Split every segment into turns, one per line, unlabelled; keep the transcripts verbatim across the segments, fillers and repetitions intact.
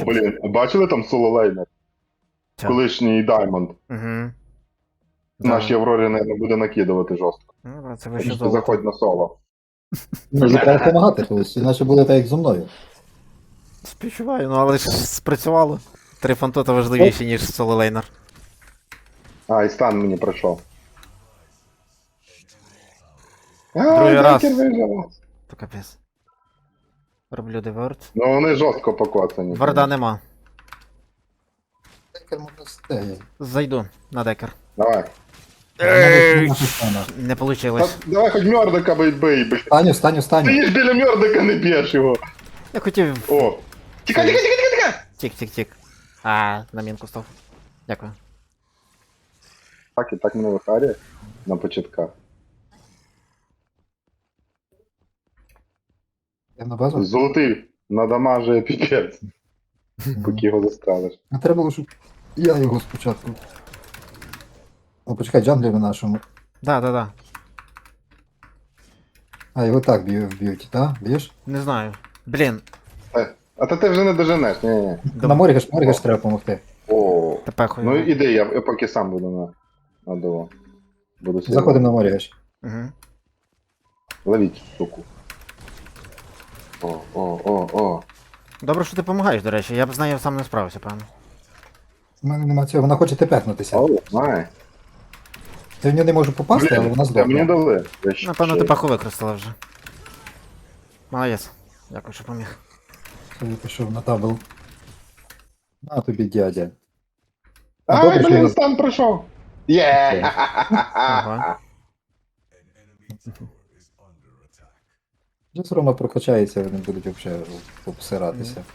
чим.
блін, бачили там соло-лейнер?
Чо?
Колишній Даймонд.
Угу.
Нашій Аврорі, мабуть, буде накидувати жорстко.
Ну, да, це
Так
вище
що
золото.
заходь на соло.
Ну, їй треба допомагати колись, іначе буде так, як зі мною.
Співчуваю, ну але ж спрацювало. Три фантота важливіші, ніж соло-лейнер.
А, і стан мені пройшов. А,
Другий раз.
Декер вижив.
То капець. Роблю деверт.
Ну вони жорстко покоцані.
Варда нема.
Декер можна стегти.
Зайду на декер.
Давай.
Не
Та,
получилось.
давай хоч Мьордика бий, бий, бий.
Встаню, встаню, встаню.
Ти ж біля Мьордика не б'єш його.
Я хотів.
О. Тікай, тікай, тікай, тікай, тікай.
Тік-тік-тік. А, на мінку став. Дякую.
Так, і так мене вихарює на початках.
Я на базу.
Золотий надамажує піпець, поки його застрелиш.
А треба було, щоб я його спочатку. О, почекай, джанглери нашому.
Да, да, да.
А, його так б'ю- вб'ють, так? Б'єш?
Не знаю. Блін,
Е, А то ти вже не доженеш, ні-ні.
На Морігаш, Морігаш треба допомогти.
О.
тепер хуй.
Ну іди, я, я поки сам буду на, на диво. Буду сидіти.
Заходимо на Морігаш.
Угу.
Ловіть штуку. О, о, о, о.
Добре, що ти допомагаєш, до речі. Я б з нею сам не справився, певно.
У мене нема цього, вона хоче тепехнутися.
О, знає.
Я в нього не можу попасти, але вона
Та мені
здохла.
дали. Я ще-
Напевно,
ще-
ти паху використала вже. Молодець. Дякую, що поміг.
Я пішов на табл. На тобі, дядя.
Ай,
добре, що
блін,
я-
стан пройшов. Є!
Ага.
Вже все одно прокачається, вони будуть взагалі обсиратися.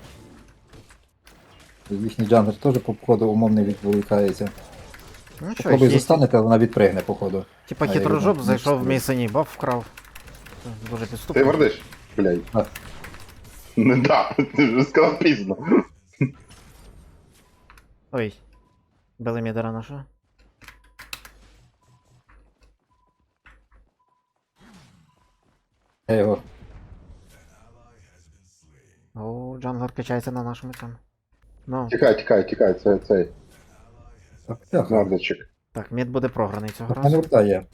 Їхній джангер теж по ходу умовно відволікається.
Ну що,
Попробуй
є.
застанете, але вона відпригне, походу.
Типа
А, я
хитрожоп
його
зайшов в
не
мій синій баф вкрав. Це дуже
Ти
підступно.
вердиш? Блядь.
А.
Не да, ти вже сказав пізно.
Ой. Били мідера нашого.
Я його.
О, джанглер качається на нашому цьому. Ну,
Тікай, тікай, тікай, це цей
Так, так.
мордочок.
так, мід буде програний цього
У мене
разу.
врта є.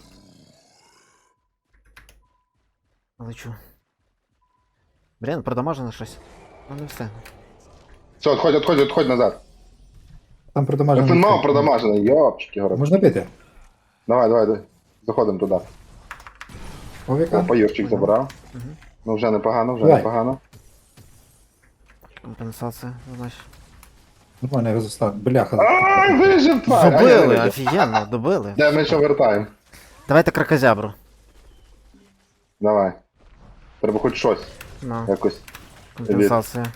Лечу. Блін, продамажено щось. Ну не все.
Все, отходь, отходь, отходь назад.
Там продамажено.
Фенмау продамажений, йопчики гори.
Можна бити?
Давай, давай, давай. Заходимо туди.
Овіка?
Опа, Юрчик забрав.
Мгм.
Ну вже непогано, вже
Давай.
непогано.
Компенсація, значить.
Нормально його застав. Бляха.
Ай, вижив, тварь! А, я не
Добили,
вижив.
офігенно, добили.
Де ми ще вертаємо?
Давайте кракозябру.
Давай. Треба хоч щось.
Ну,
Якось.
компенсація.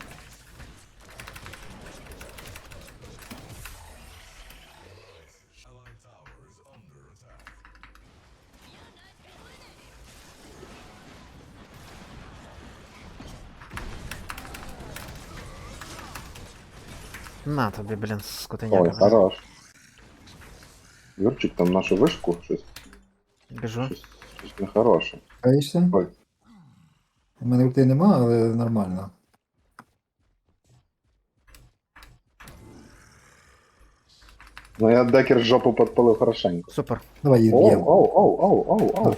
На тобі, блін,
Ой,
скотиняка.
хорош. Юрчик там нашу вишку, щось,
Біжу.
щось, щось нехороше.
Каєшся?
Ой.
У мене врти нема, але нормально.
Ну я декер жопу підпалив хорошенько.
Супер.
Давай її
Оу,
б'ємо.
оу, оу, оу, оу, оу.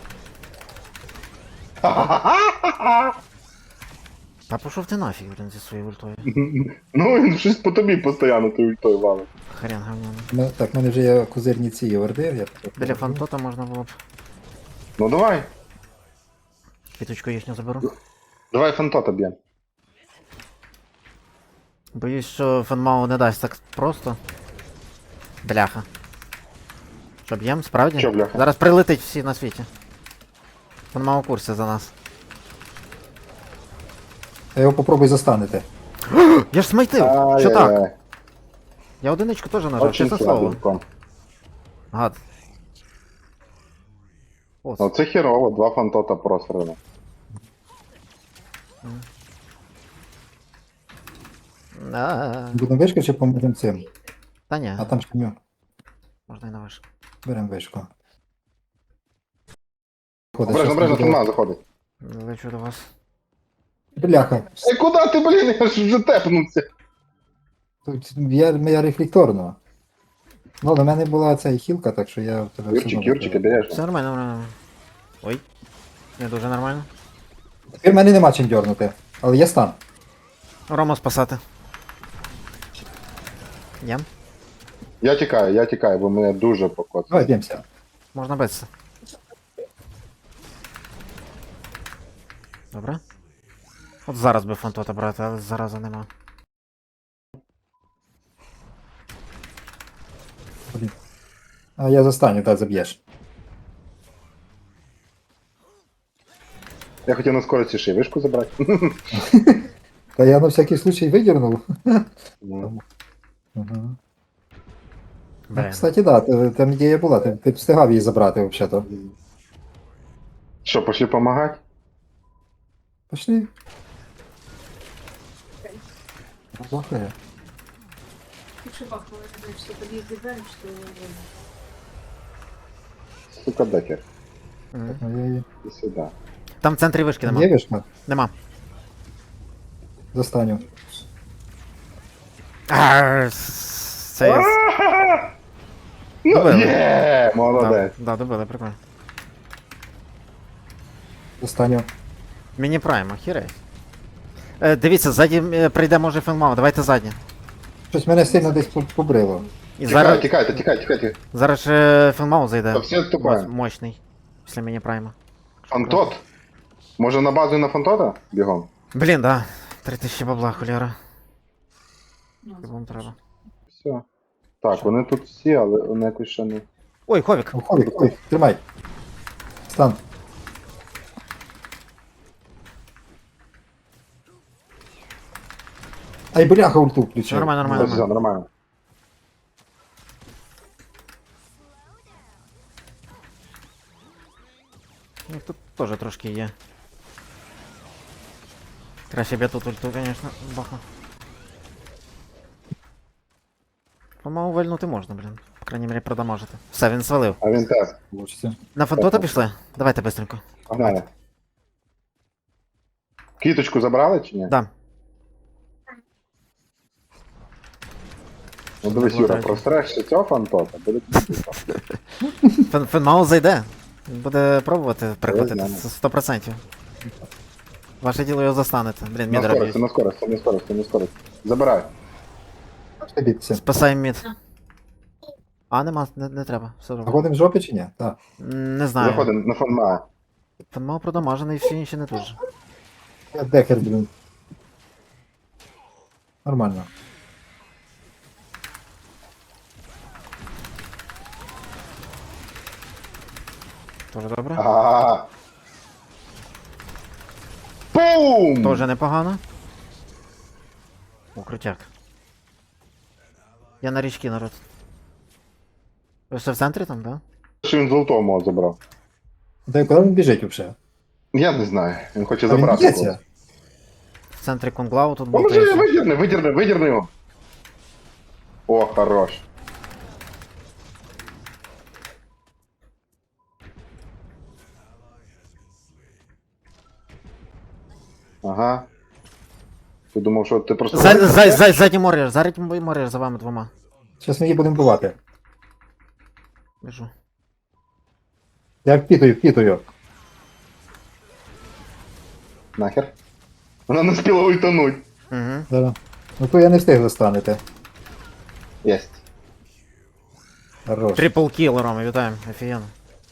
Та пішов ти нафіг, блін, зі своєю ультою.
Ну він щось по тобі постійно той ультою валить.
Хрен говняний.
Ми- Так, в мене вже є козирні ці орди. Я
Біля фантота можна було б.
Ну давай,
Квіточку їхню заберу.
давай фантота б'ємо.
Боюсь, що фанмау не дасть так просто. Бляха. Що, б'єм, справді?
Що, бляха?
Зараз прилетить всі на світі. Фанмау в курсі за нас.
Я його попробуй застанете.
Я ж смайтив! Що так?
Ай-яй-яй.
Я одиничку теж нажав,
Очень
чесне слово.
слабенько.
Гад. О,
Ну це херово, два фантота просрано.
а,
Будемо вишки чи поможемо цим?
Та ні,
А там шкім'ю.
можна і на виш.
Беремо вишку.
Обережно, обережно, фанма заходить.
Лечу до вас.
Бляха.
Ей, куди ти, блін, я ж вже тепнувся.
Тут я, я рефлекторно. Ну, до мене була ця хілка, так що я в тебе все
Юрчик,
одно
Юрчик,
вбив.
обережно.
Все нормально, нормально. Ой. Не дуже нормально.
Тепер мене нема чим дьорнути. Але є стан.
Рому спасати. Є?
Я тікаю, я тікаю, бо мене дуже покоцало.
Давай б'ємося.
Можна битися. Добре. От зараз би фантота брати, але зараза нема.
Блін. А я застаню, так заб'єш.
Я хотів на скорості ще й вишку забрати.
Та я на всякий случай видірнув.
Ну,
Ага. Ну,
Блін.
кстати, да, та- там ідея була, ти, ти б встигав її забрати взагалі-то.
Що, пошли помагати?
Пошли. Плохая.
Лучше бахнуло, что подъезд играем, что...
Сука, декер.
Мгм.
Ну, я її-
І сюди.
Там в центрі вишки нема.
Є вишка?
Нема.
Застаню.
Арр, Це я...
Ну,
Добили.
є,
Да,
молодець.
да, добили, прикольно.
Застаню.
Міні прайм, охірей. Е, дивіться, ззаді е, прийде може фенмау, давайте задні.
Щось мене сильно десь по- побрило.
І
Тікай,
зараз,
тікайте, тікайте, тікайте.
зараз же фенмау зайде.
Та всі відступаємо.
Мо- Мощний. Після міні прайма.
Фантот? Може на базу і на фантота? Бігом.
Блін, да. Три тисячі бабла, хуляра.
Ну,
Вам треба.
Все. Так, вони тут всі, але вони якось ще не.
Ой, ховік.
О, Ховік, Ховік, тримай. Стан. Ай, бляха, ульту
Все
включив.
нормально, нормально,
Ось, все,
нормально.
нормально.
Ну, тут теж трошки є. Краще б я тут ульту, звісно, бахну. По-моєму, вальнути можна, блін. По крайній мірі, продамажити. Все, він свалив.
А він теж.
Получиться.
На фантота пішли? Давайте быстренько.
Погнали. Квіточку забрали чи ні?
Да.
Ну дивись, Юра, просреш ще цього фантота, буде квіточка.
Фен, Фенмау зайде. Він буде пробувати прихватити
знаю.
це сто процентів. Ваше діло його застанете. Блін,
На
мід
скорості,
робить.
на скорості, на скорості, на скорості. Забирай.
Пошли битися.
Спасаємо мід. А, нема, не, не треба. Все добре.
Заходимо в жопі чи ні? Так.
М, Не знаю.
Заходимо на фанма.
Фенмау продамажений, всі інші не дуже.
Я декер, блін. Нормально.
Тоже добре.
Ага. Бум!
Тоже непогано. О, крутяк. Я на річки, народ. Ви все в центрі там, да?
Що він золотого мого забрав?
Дай, куди він біжить взагалі?
Я не знаю, він хоче
А він
забрати.
б'ється?
когось.
В центрі Кунглау тут
Поможи,
болтається.
видірни, видірни, видірни його. О, хорош. Ага. Ти думав, що ти просто...
За, за, за, задній морєр, задній морєр за вами двома.
Зараз ми її будемо бувати.
Біжу.
Я впітую, впітую.
Нахер. Вона не спіла ультануть.
Угу.
Зараз. Ну то я не встиг застанете.
Єсть.
Хорош.
Трипл кіл, Рома, вітаємо. Офігенно.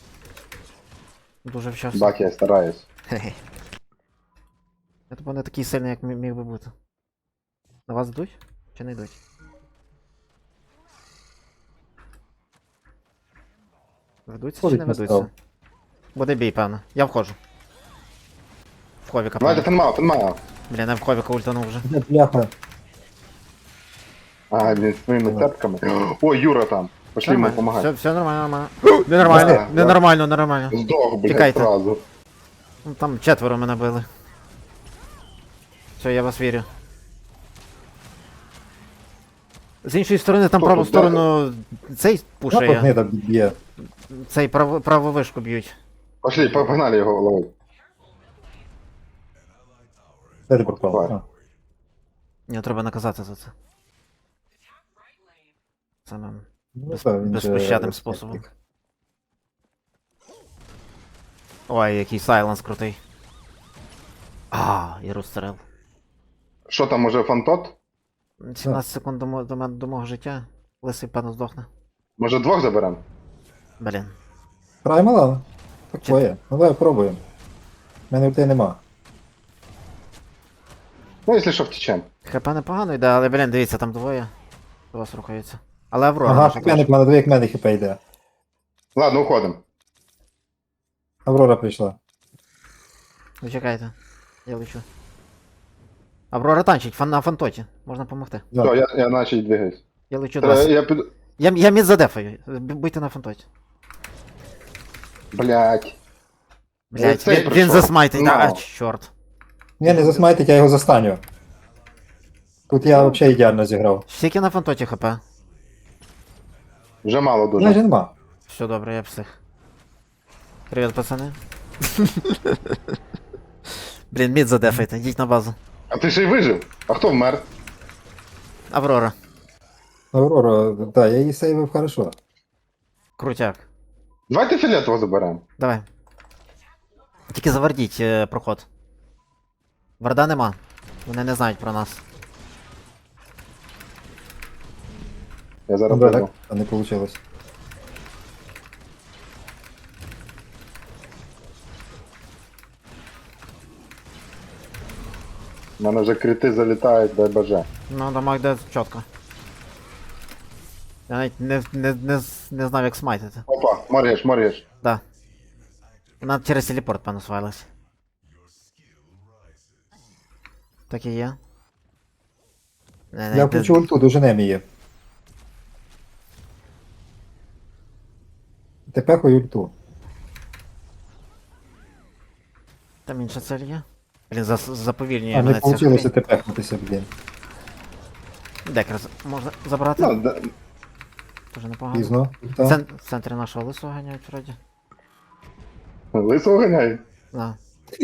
Дуже вчасно.
Бак, я стараюсь.
Хе-хе. Я тупо не такий сильний, як мі- міг би бути. На вас йдуть? Чи не йдуть? Ведуться чи
Ходить
не
на
ведуться?
став.
Буде бій, певно. Я входжу. В ховіка,
Давайте
певно.
фенмау, фенмау.
Блін, я в ховіка ультанув вже.
Де бляха?
А, він з своїми цепками. Ой, Юра там. Пошли йому
Все,
допомагати.
все нормально, нормально. Ненормально,
Да, да.
ненормально, ненормально.
Здох, блядь,
Тікайте.
зразу.
Ну, там четверо мене били. Все, я вас вірю. З іншої сторони, там
Хто
праву
тут,
сторону цей
Напад
пушає,
не так б'є.
цей праву, праву вишку б'ють.
Пошли, погнали його ловити.
Де ти пропав?
Давай.
А.
Мені треба наказати за це. самим
Ну,
без-
так, він
безпощадним
же
способом.
розкритик.
Ой, який сайленс крутий. А, і розстрел.
Що там, може фантот?
сімнадцять секунд до, мо- до, мене- до мого життя. Лисий, певно, здохне.
Може двох заберемо?
Блін.
Праймала? Такое. Ну давай пробуємо. У мене ульти нема.
Ну, якщо що, втечем.
ХП непогано йде, але, блін, дивіться, там двоє. До вас рухаються. Але Аврора
Ага,
наша
так мене,
теж.
мене двоє як мене хп йде.
Ладно, уходимо.
Аврора прийшла.
Ви чекайте. Я лечу. Аврора танчить, фан на фантоті. Можна допомогти.
Да.
Все, я, я наче двигаюсь.
Я лечу до
Треба-
вас.
Я піду.
Я, я мід задефаю. Б- Будьте на фантоті.
Блять.
Блять,
цей
він, він
прийшов.
засмайтить,
Ну.
а, чорт.
Ні, не засмайтить, я його застаню. Тут я взагалі ідеально зіграв.
Скільки на фантоті хп?
Вже мало дуже.
Майже нема.
Все добре, я псих. Привіт, пацани. Блін, мід задефайте, йдіть на базу.
А ти ще й вижив? А хто вмер?
Аврора.
Аврора, так, да, я її сейвив хорошо.
Крутяк.
Давайте фіолетово заберемо.
Давай. Тільки завардіть е, проход. Варда нема. Вони не знають про нас.
Я зараз
Ну, да,
буду.
так, а не вийшло.
У мене вже крити залітають, дай боже.
Ну, дамаг йде чітко. Я навіть не, не, не, з- не знав, як смайтити.
Опа, морєш, морєш.
Да. Вона через телепорт, певно, свалилась. Так і є. Не, не,
Я
не-
включу ульту, дуже неміє. Тепер хой ульту.
Там інша цель є. Блін, за, заповільнює
А, не
мене ця
вийшло
хрінь.
тепехнутися, блін.
Декер з- можна забрати?
Ну, да-
Дуже непогано.
Пізно.
В,
Ульта.
цен- в центрі нашого лисого ганяють вроді.
лисого ганяй.
Да.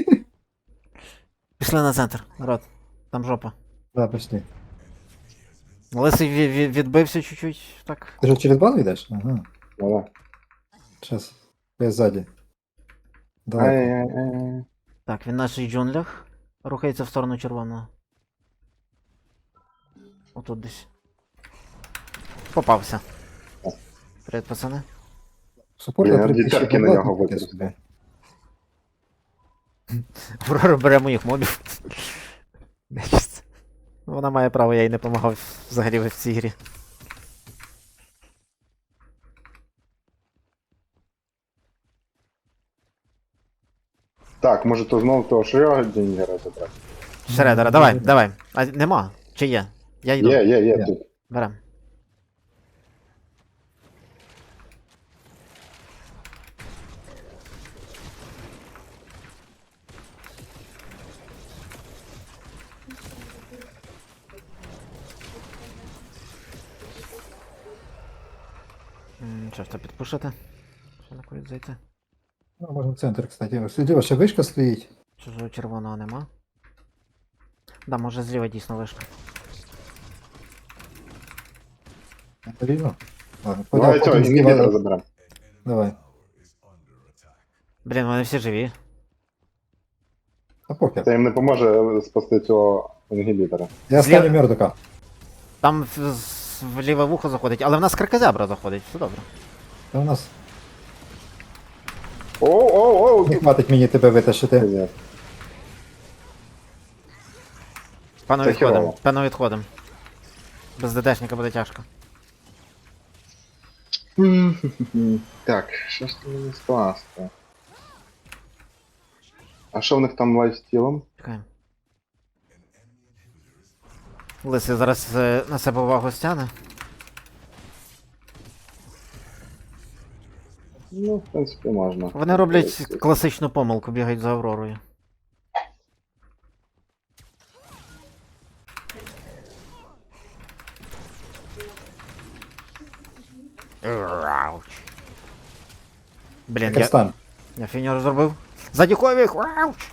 Пішли на центр, народ. Там жопа.
Да, пішли.
Лисий ві- ві- відбився чуть-чуть, так.
Ти ж через базу йдеш? Ага.
Давай.
Щас. Я ззаді. Давай.
Ай-яй-яй.
Так, він в наших джунглях. Рухається в сторону червоного. Отут десь. Попався. Привіт, пацани.
Супорт
Блін,
на
я
три
дві
тисячі
терки на
бабла,
нього
таке
використав.
собі.
Аврора бере моїх мобів. Нечисть. Вона має право, я їй не допомагав взагалі в цій грі.
Так, може то знову того Шрёдінгера забрати.
Шредера, давай, давай. А нема. Чи є? Я йду.
Є, є, є,
Є.
тут.
Берем. М, Що ж то підпушити? Що на курить зайти?
Ну, можна в центр, кстати. Слідіва, ще вишка стоїть.
Чужого червоного нема. Да, може зліва дійсно вишка.
Рівно. Ладно,
Давай
потім
цього
зліва-
інгібітора заберемо.
Давай.
Блін, вони всі живі.
А похер.
Це їм не поможе спасти цього інгібітора.
Я
Зліва-
стану мердока.
Там в, з- в ліве вухо заходить, але в нас кракозябра заходить, все добре.
Та у нас
Оу, оу, оу!
не хватить мені тебе витащити.
Ні.
Пану
Це
відходимо,
херово.
пану відходимо. Без ДДшника буде тяжко.
Так, що ж там мені скласти? А що в них там лайфстілом?
Чекаємо. Лисий зараз е, на себе увагу стягне.
Ну, в принципі, можна.
Вони роблять класичну помилку, бігають за Авророю. Рауч. Блін, я,
Стан.
я фінір зробив. Ззаді ховік! Рауч!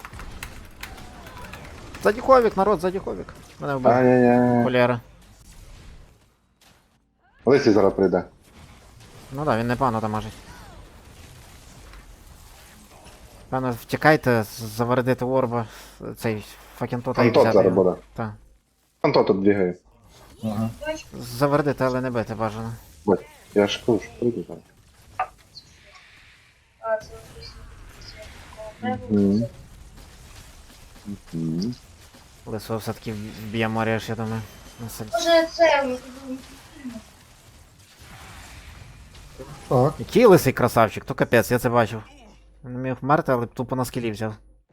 Ззаді ховік, народ, ззаді ховік. Мене вбив.
Ай-яй-яй.
Холєра.
Лисий зараз прийде.
Ну да, він непогано дамажить. Певно, втікайте, завердити орба, цей факінтота і
Антот
взяти
зараз
його.
буде.
Так.
Антот тут бігає.
Ага.
Завердити, але не бити бажано.
Бать, я ж кажу, що прийду зараз.
А, це написано.
Мгм. Мгм.
Лисо все-таки вб'є Маріаш, я думаю. На сельці.
Може це у них
Так.
Який лисий красавчик, то капець, я це бачив. Він не міг вмерти, але тупо на скілі взяв.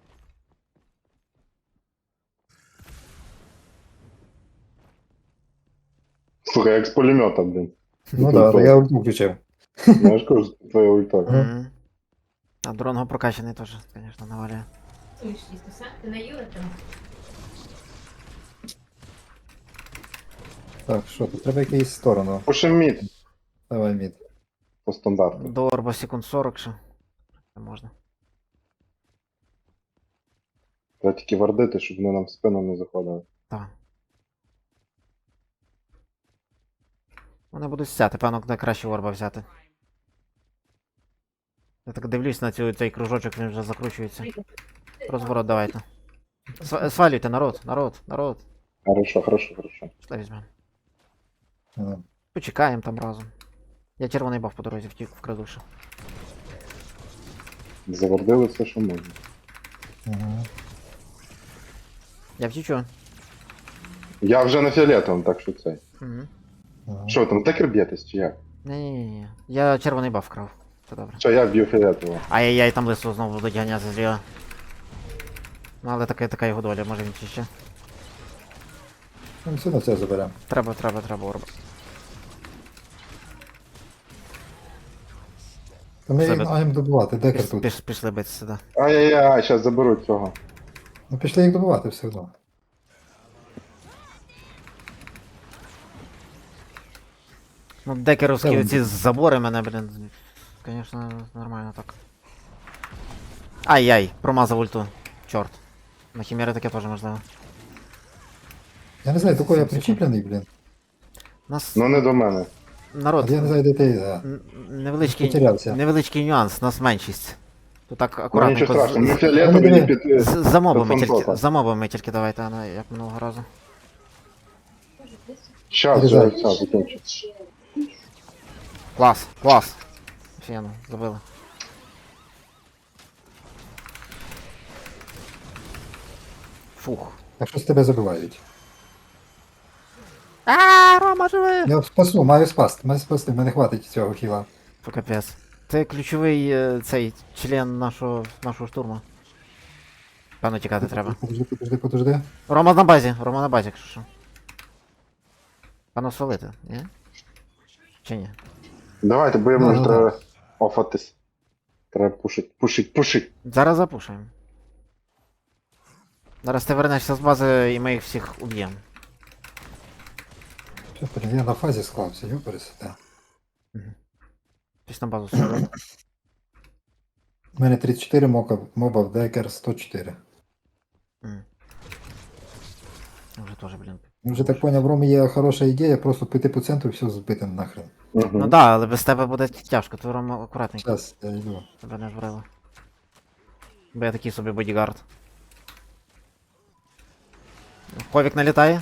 Слухай, як з пулемета, блін.
Ну так, да, я ульту включив.
Я ж кажу, що твоя ульта.
Мгм.
Мгм. А дронго прокачаний теж, звісно, навалює.
Ти наїла там?
Так, що, тут треба якийсь сторону.
Пушим мід
Давай мід.
по стандарту.
До орба секунд сорок ще. Не можна.
Треба тільки вардити, щоб вони нам в спину не заходили.
Так. Вони будуть стяти, певно, куди краще орба взяти. Я так дивлюсь на цю, цей кружочок, він вже закручується. Розворот давайте. Сва- Свалюйте, народ, народ, народ.
Хорошо, хорошо, хорошо.
Що візьмемо?
Ага.
Почекаємо там разом. Я червоний баф по дорозі втік вкраду ще.
Завардили все, що можна.
Ага.
Я втічу.
Я вже на фіолетовому, так що це.
Угу.
Ага.
Що ви там, декер б'єтесь чи як?
Ні-ні-ні. Я червоний баф вкрав. Це добре.
Що, я б'ю фіолетового.
Ай-яй-яй, там лису знову будуть ганяти зліва. Ну але така, така його доля, може він чи ще.
Ну, все одно це заберемо.
Треба, треба, треба орба.
Та ми їх
Себе-
маємо добувати, декер
Піш,
тут.
піш, пішли бити сюди.
Ай-яй-яй, зараз заберуть цього.
Ну пішли їх добувати все одно.
Ну, декеровські
Це
оці забори мене, блін. Звісно, нормально так. Ай-яй, промазав ульту. Чорт. На хімери таке теж можливо.
Я не знаю, до кого я причіплений, блін.
Нас
Ну не до мене.
народ.
От я не знаю, де ти. Да.
н- Невеличкий,
Потерявся.
невеличкий нюанс, нас меншість. Тут так
Ну
акуратненько.
нічого
з-
страшного, ми
Ну,
фіолетові
диви.
не під...
з- За мобами
Це
тільки,
фантота.
за мобами тільки давайте, а не як минулого разу.
Щас, вже
Заряджай.
все, закінчу.
Клас, клас. Офігенно, забили. Фух.
Так що з тебе забивають.
А, Рома живе!
Я спасу, маю спасти, маю спасти, мене хватить цього хіла.
Фу, капець. Це ключовий е, цей член нашого, нашого штурму. Певно тікати треба.
Подожди, подожди, подожди.
Рома на базі, Рома на базі, якщо що. Певно свалити, ні? Чи ні?
Давайте, бо йому
Ну,
вже
ну,
треба офатись. Треба пушить, пушить, пушить.
Зараз запушуємо. Зараз ти вернешся з бази і ми їх всіх уб'ємо.
Що, блін, я на фазі склався, йо пересете.
Пісь на базу сюди.
У мене тридцять чотири моба, моба в декер сто чотири.
М. Вже теж, блін.
Я вже так поняв, в Ромі є хороша ідея, просто піти по центру і все збити нахрен.
Угу.
Ну да, але без тебе буде тяжко, то Рома акуратненько.
Зараз я йду.
Тебе не збрили. Бо я такий собі бодігард. Ховік налітає.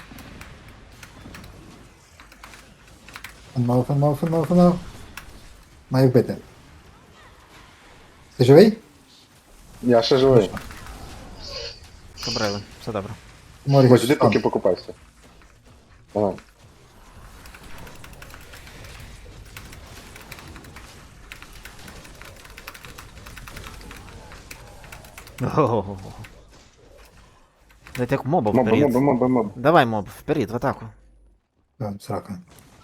Фанмау, фанмау, фанмау, фанмау. Маю вбити. Ти живий?
Я ще живий.
Побрили, все добре.
Морі,
Ось іди поки покупайся. Давай.
Ого. Дайте як моба
Моба,
вперед.
моба, моба, моба.
Давай моб, вперед, в атаку.
Там, срака.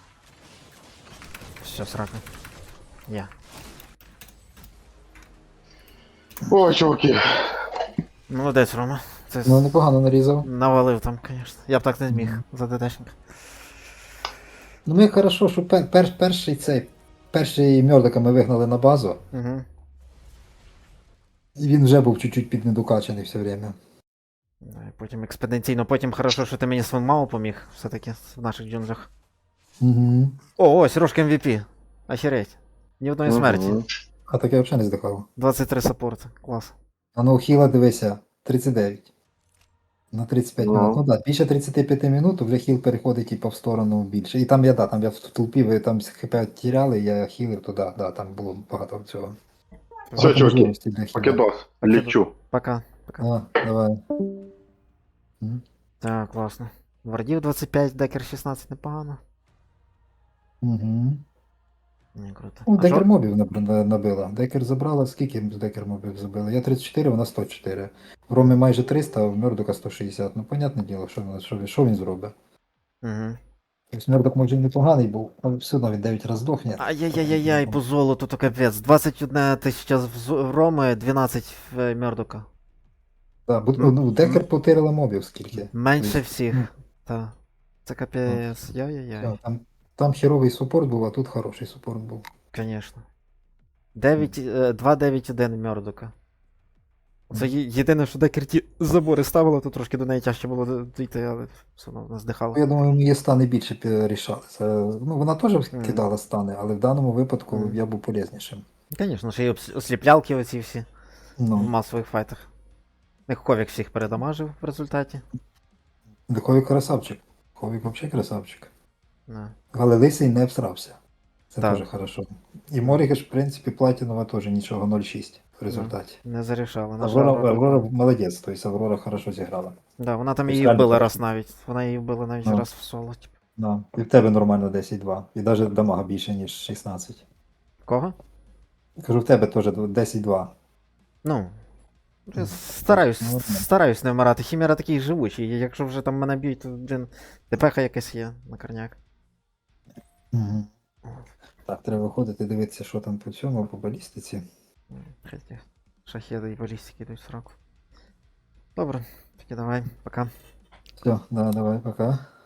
Все, срака. Я.
О, чуваки.
Молодець, Рома. Це
Ну, непогано нарізав.
навалив там, звісно. Я б так не зміг за ДДшника.
Ну ми хорошо, що пер, пер, перший цей, перший мьордика ми вигнали на базу,
Угу.
і він вже був чуть-чуть піднедокачаний все время.
Потім експедиційно, потім хорошо, що ти мені з Мау поміг, все-таки в наших джунглях.
Угу.
О, ось, Рожка ем ві пі. Охереть. Ні одної смерті.
Мгм.
А так я взагалі не здихав.
двадцять три саппорти. Клас.
А ну хіла дивися, тридцять дев'ять. На тридцять п'ять
Ну.
минут. Ну так, більше тридцять п'ять минут вже хіл переходить типу, в сторону більше. І там я, да, там я в толпі, ви там хп тіряли, я хілив туди, да, там було багато цього.
Все,
Багато
чуваки,
можливостей для хіла.
покидос, лічу.
Пока. Пока.
А, давай. М.
Так, класно. Вардів двадцять п'ять, декер шістнадцять, непогано.
Угу.
Не, круто.
Ну,
А
декер
що?
мобів наб- на- набила. Декер забрала, скільки декер мобів забила? Я тридцять чотири, вона сто чотири. В Ромі майже триста, а в Мердока сто шістдесят. Ну, понятне діло, що, він- що, він- що він зробить.
Угу.
Тобто Мердок може і непоганий був, але все одно він дев'ять разів здохне.
Ай-яй-яй-яй, по золоту то капець. двадцять одна тисяча в Зо- в Роми, дванадцять в е, Мердока.
Да, бо, ну, декер потирила мобів скільки.
Менше
Тобто,
всіх.
ну,
Та. Це капець. Яй-яй-яй.
все, там, там херовий супорт був, а тут хороший супорт був.
Конечно. дев'ять, е, два дев'ять один Мердока. Це є- єдине, що декер ті забори ставило, то трошки до неї тяжче було дійти, але все одно вона
Ну,
здихала.
я думаю, її стани більше пі- рішали. Це, ну, вона теж
Мгм.
кидала стани, але в даному випадку
Мгм.
я був полезнішим.
Звісно, ще й обс- осліплялки оці всі в
Ну,
масових файтах. Як Ховік всіх передамажив в результаті.
Ховік красавчик. Ховік взагалі красавчик.
Да.
Але лисий не всрався. Це
Так.
теж хорошо. І Морігеш, в принципі, Платінова теж нічого нуль шість в результаті.
Не зарішала. На жаль,
Аврора,
Аврора-
Аврора молодець, тобто Аврора хорошо зіграла.
Да, вона там
Тобто
її
реально
вбила
так.
раз навіть. Вона її вбила навіть
Ну.
раз в соло. Типу.
Да. І в тебе нормально десять два. І навіть дамага більше, ніж шістнадцять.
Кого?
Кажу, в тебе теж десять два.
Ну. я Стараюсь,
Ну, от не.
стараюсь не вмирати. Хімера такий живучий. і Якщо вже там мене б'ють, то блін, ТПХ якась є на корняк.
Угу. Так, треба виходити, дивитися, що там по цьому, по балістиці.
Хотя шахеди і балістики йдуть в сраку. Добре, тоді давай, пока.
Все, да, давай, пока.